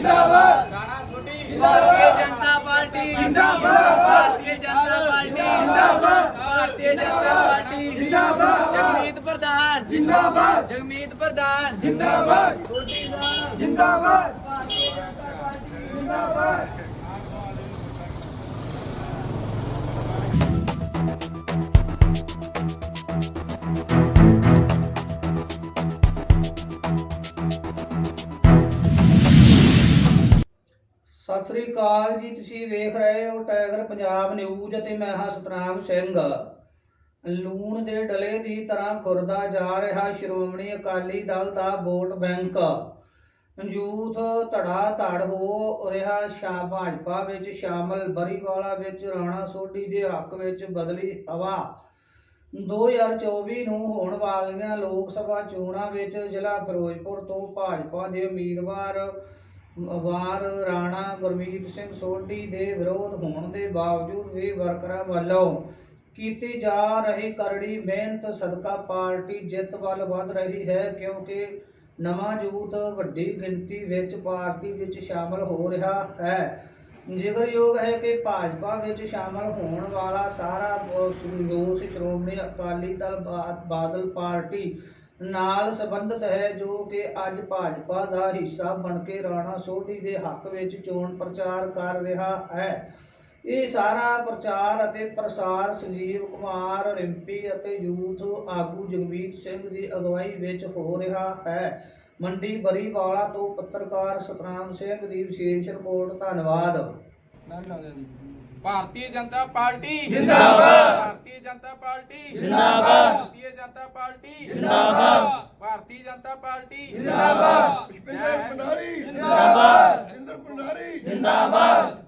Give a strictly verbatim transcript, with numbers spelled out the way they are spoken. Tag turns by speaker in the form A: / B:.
A: जिंदाबाद
B: राणा सोढी
A: भारतीय जनता पार्टी जिंदाबाद भारतीय जनता पार्टी जिंदाबाद भारतीय जनता पार्टी जिंदाबाद जगमीत प्रधान जिंदाबाद जगमीत प्रधान जिंदाबाद जिंदाबाद भारतीय जनता पार्टी जिंदाबाद।
C: ਸਤਿ ਸ੍ਰੀ ਅਕਾਲ ਜੀ, ਤੁਸੀਂ ਵੇਖ ਰਹੇ ਹੋ ਟਾਈਗਰ ਪੰਜਾਬ ਨਿਊਜ਼ ਅਤੇ ਮੈਂ ਹਾਂ ਸਤਨਾਮ ਸਿੰਘ। ਲੂਣ ਦੇ ਡਲੇ ਦੀ ਤਰ੍ਹਾਂ ਖੁਰਦਾ ਜਾ ਰਿਹਾ ਸ਼੍ਰੋਮਣੀ ਅਕਾਲੀ ਦਲ ਦਾ ਵੋਟ ਬੈਂਕ। ਯੂਥ ਧੜਾ ਧੜ ਹੋ ਰਿਹਾ ਸ਼ਾ ਭਾਜਪਾ ਵਿੱਚ ਸ਼ਾਮਲ। ਬਰੀਵਾਲਾ ਵਿੱਚ ਰਾਣਾ ਸੋਢੀ ਦੇ ਹੱਕ ਵਿੱਚ ਬਦਲੀ ਹਵਾ। ਦੋ ਹਜ਼ਾਰ ਚੌਵੀ ਨੂੰ ਹੋਣ ਵਾਲੀਆਂ ਲੋਕ ਸਭਾ ਚੋਣਾਂ ਵਿੱਚ ਜ਼ਿਲ੍ਹਾ ਫਿਰੋਜ਼ਪੁਰ ਤੋਂ ਭਾਜਪਾ ਦੇ ਉਮੀਦਵਾਰ ਵਾਰ ਰਾਣਾ ਗੁਰਮੀਤ ਸਿੰਘ ਸੋਢੀ ਦੇ ਵਿਰੋਧ ਹੋਣ ਦੇ ਬਾਵਜੂਦ ਵੀ ਵਰਕਰਾਂ ਵੱਲੋਂ ਕੀਤੀ ਜਾ ਰਹੀ ਕਰੜੀ ਮਿਹਨਤ ਸਦਕਾ ਪਾਰਟੀ ਜਿੱਤ ਵੱਲ ਵਧ ਰਹੀ ਹੈ, ਕਿਉਂਕਿ ਨਵਾਂ ਯੂਥ ਵੱਡੀ ਗਿਣਤੀ ਵਿੱਚ ਪਾਰਟੀ ਵਿੱਚ ਸ਼ਾਮਲ ਹੋ ਰਿਹਾ ਹੈ। ਜ਼ਿਕਰਯੋਗ ਹੈ ਕਿ ਭਾਜਪਾ ਵਿੱਚ ਸ਼ਾਮਲ ਹੋਣ ਵਾਲਾ ਸਾਰਾ ਯੂਥ ਸ਼੍ਰੋਮਣੀ ਅਕਾਲੀ ਦਲ ਬਾਦਲ ਪਾਰਟੀ ਨਾਲ ਸੰਬੰਧਿਤ ਹੈ, ਜੋ ਕਿ ਅੱਜ ਭਾਜਪਾ ਦਾ ਹਿੱਸਾ ਬਣ ਕੇ ਰਾਣਾ ਸੋਢੀ ਦੇ ਹੱਕ ਵਿੱਚ ਚੋਣ ਪ੍ਰਚਾਰ ਕਰ ਰਿਹਾ ਹੈ। ਇਹ ਸਾਰਾ ਪ੍ਰਚਾਰ ਅਤੇ ਪ੍ਰਸਾਰ ਸੰਜੀਵ ਕੁਮਾਰ ਰਿੰਪੀ ਅਤੇ ਯੂਥ ਆਗੂ ਜਗਮੀਤ ਸਿੰਘ ਦੀ ਅਗਵਾਈ ਵਿੱਚ ਹੋ ਰਿਹਾ ਹੈ। ਮੰਡੀ ਬਰੀਵਾਲਾ ਤੋਂ ਪੱਤਰਕਾਰ ਸਤਨਾਮ ਸਿੰਘ ਦੀ ਵਿਸ਼ੇਸ਼ ਰਿਪੋਰਟ। ਧੰਨਵਾਦ।
B: भारतीय जनता पार्टी
A: जिंदाबाद
B: भारतीय जनता पार्टी
A: जिंदाबाद
B: भारतीय जनता पार्टी
A: जिंदाबाद
B: भारतीय जनता पार्टी
A: जिंदाबाद
D: पुष्पिंदर भंडारी
A: जिंदाबाद
D: इंद्र भंडारी
A: जिंदाबाद